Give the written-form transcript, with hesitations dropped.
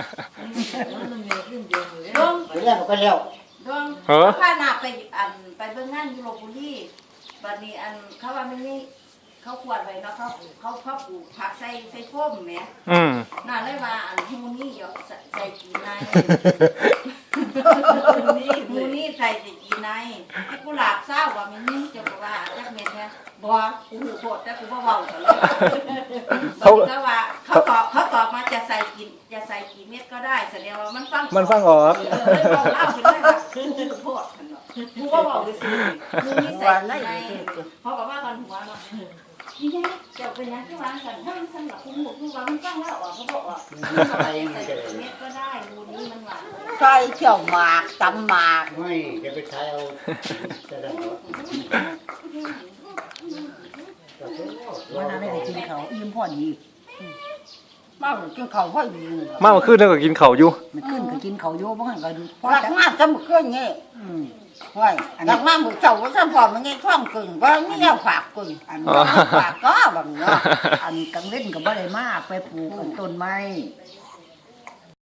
ดวงไปแล้วก็แล้วดวงพานาไปเบิ่งงานอยู่ลพบุรีบัดนี้เขาว่ามันนี่เขาขวดไว้เนาะเขาปลูกผักใส่โฟมแหมน่าเลยว่าฮูนี่เดี๋ยวใส่กีในฮูนี่ใส่กีในที่กุหลาบเศร้าว่ามันนี่จะบอกว่าจักเม็ดเนี่ยบ่กูหูโคตรแต่กูบ่เว้าซะเลยเขาว่าเขาตอบมาจะใส่กี่เม็ดก็ได้แสดงว่ามันฟังออกเลยบอกเล่าไปเลยว่ากูหูโคตรคั่นเนาะกูบ่เว้าเลยสิฮูนี่ใส่กีในเพราะว่ากันหัวเนาะนี่ไงจะเป็นยังที่วางสันทั้งสำหรับคุณหมูคือวางมันตั้งแล้วออกเขาบอกว่าใส่เม็ดก็ได้ดูนี้มันหวานใส่เที่ยวหมากตำหมากไม่จะไปใช้เอาจะได้วันนั้นได้กินเขาอิ่มพอดีมากินเขาพอดีมาเมื่อคืนแล้วก็กินข้าวอยู่มันขึ้นก็กินเขาโย่บ้างก็ดูหลักมากจะมันขึ้นงี้ห้อยหลักมากมือเจ้าว่าฉันพอมันงี้ท่องกึ่งว่าไม่เอาฝากกึ่งอันฝากก็แบบนี้อันกังเล่นกับบ่ได้มากไปปลูกต้นไม้